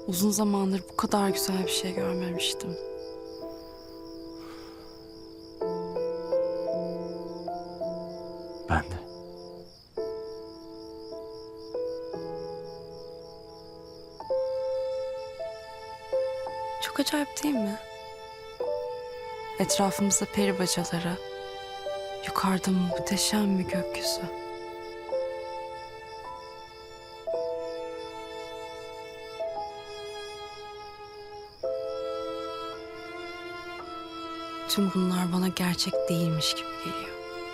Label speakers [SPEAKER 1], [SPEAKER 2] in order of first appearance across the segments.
[SPEAKER 1] Uzun zamandır bu kadar güzel bir şey görmemiştim.
[SPEAKER 2] Ben de.
[SPEAKER 1] Çok acayip değil mi? Etrafımızda peri bacaları, yukarıda muhteşem bir gökyüzü. Tüm bunlar bana gerçek değilmiş gibi geliyor.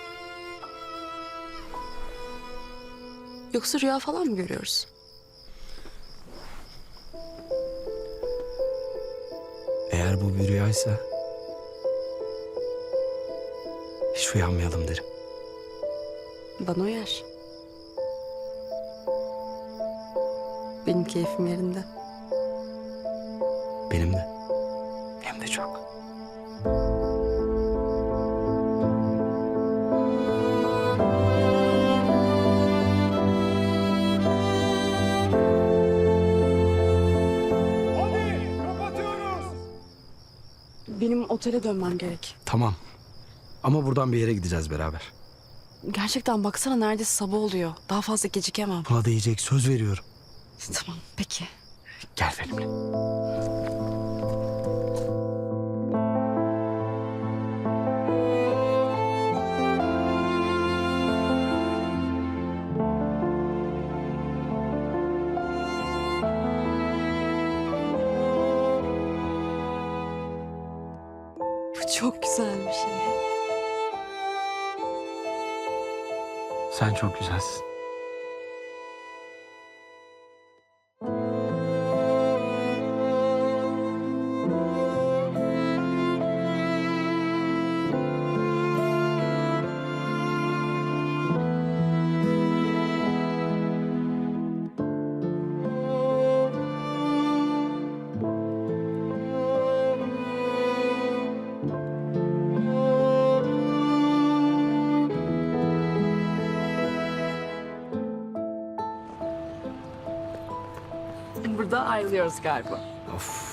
[SPEAKER 1] Yoksa rüya falan mı görüyoruz?
[SPEAKER 2] Eğer bu bir rüyaysa hiç uyanmayalım derim.
[SPEAKER 1] Bana uyar. Benim keyfim yerinde.
[SPEAKER 2] Benim de. Hem de çok.
[SPEAKER 3] Hadi kapatıyoruz.
[SPEAKER 1] Benim otele dönmem gerek.
[SPEAKER 2] Tamam. Ama buradan bir yere gideceğiz beraber.
[SPEAKER 1] Gerçekten baksana neredeyse sabah oluyor. Daha fazla gecikemem.
[SPEAKER 2] Buna değecek, söz veriyorum.
[SPEAKER 1] Tamam peki.
[SPEAKER 2] Gel benimle.
[SPEAKER 1] Bu çok güzel bir şey.
[SPEAKER 2] Sen çok güzelsin.
[SPEAKER 1] Burada ayrılıyoruz galiba.
[SPEAKER 2] Of.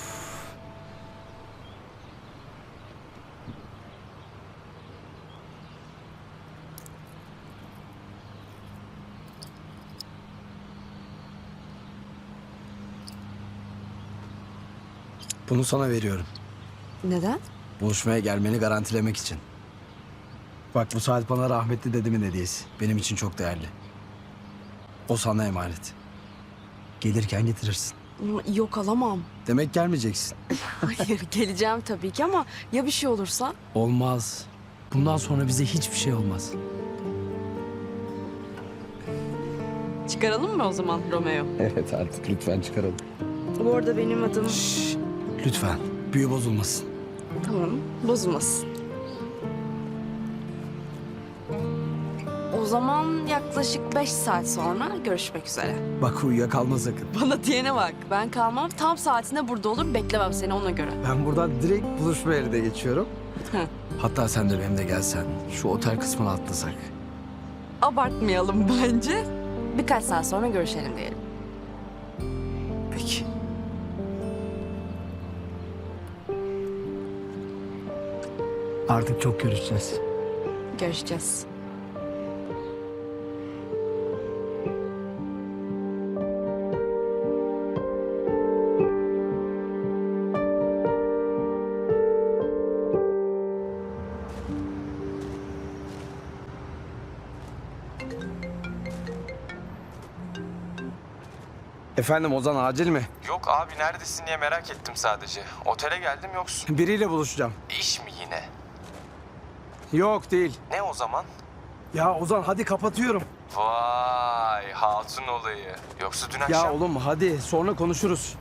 [SPEAKER 2] Bunu sana veriyorum.
[SPEAKER 1] Neden?
[SPEAKER 2] Buluşmaya gelmeni garantilemek için. Bak bu saat bana rahmetli dedemin hediyesi. Benim için çok değerli. O sana emanet. Gelirken getirirsin.
[SPEAKER 1] Yok alamam.
[SPEAKER 2] Demek gelmeyeceksin.
[SPEAKER 1] Hayır geleceğim tabii ki ama ya bir şey olursa?
[SPEAKER 2] Olmaz. Bundan sonra bize hiçbir şey olmaz.
[SPEAKER 1] Çıkaralım mı o zaman Romeo?
[SPEAKER 2] Evet artık lütfen çıkaralım.
[SPEAKER 1] Bu arada benim adım...
[SPEAKER 2] Şşş, lütfen. Büyü bozulmasın.
[SPEAKER 1] Tamam bozulmasın. O zaman yaklaşık 5 saat sonra görüşmek üzere.
[SPEAKER 2] Bak uyuyakalma sakın.
[SPEAKER 1] Bana diyene bak. Ben kalmam. Tam saatinde burada olur. Beklemem seni ona göre.
[SPEAKER 2] Ben buradan direkt buluşma yerine geçiyorum.
[SPEAKER 1] Heh.
[SPEAKER 2] Hatta sen de benimle gelsen. Şu otel kısmına atlasak.
[SPEAKER 1] Abartmayalım bence. Birkaç saat sonra görüşelim diyelim.
[SPEAKER 2] Peki. Artık çok görüşeceğiz.
[SPEAKER 1] Görüşeceğiz.
[SPEAKER 2] Efendim Ozan acil mi?
[SPEAKER 4] Yok abi neredesin diye merak ettim sadece. Otele geldim yoksun.
[SPEAKER 2] Biriyle buluşacağım.
[SPEAKER 4] İş mi yine?
[SPEAKER 2] Yok değil.
[SPEAKER 4] Ne o zaman?
[SPEAKER 2] Ya Ozan hadi kapatıyorum.
[SPEAKER 4] Vay hatun olayı. Yoksa dün
[SPEAKER 2] Ya
[SPEAKER 4] akşam...
[SPEAKER 2] oğlum hadi sonra konuşuruz.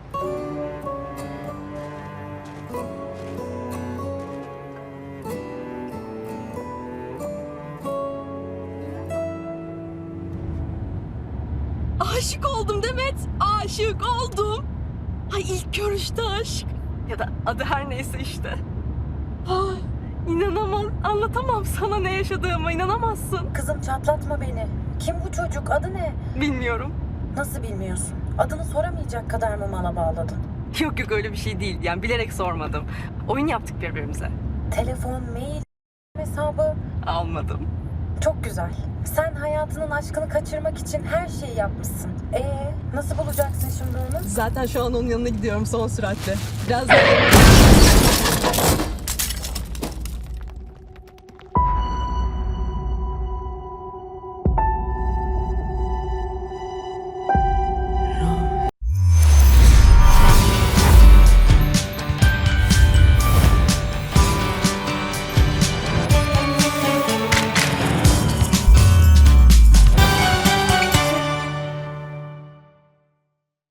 [SPEAKER 1] Aşık oldum Demet. Aşık oldum. Ay ilk görüşte aşk. Ya da adı her neyse işte. Ay inanamam. Anlatamam sana ne yaşadığımı inanamazsın.
[SPEAKER 5] Kızım çatlatma beni. Kim bu çocuk? Adı ne?
[SPEAKER 1] Bilmiyorum.
[SPEAKER 5] Nasıl bilmiyorsun? Adını soramayacak kadar mı mala bağladın?
[SPEAKER 1] Yok yok öyle bir şey değil. Yani bilerek sormadım. Oyun yaptık birbirimize.
[SPEAKER 5] Telefon, mail, hesabı.
[SPEAKER 1] Almadım.
[SPEAKER 5] Çok güzel. Sen hayatının aşkını kaçırmak için her şeyi yapmışsın. Nasıl bulacaksın şimdi onu?
[SPEAKER 1] Zaten şu an onun yanına gidiyorum son süratle. Biraz daha...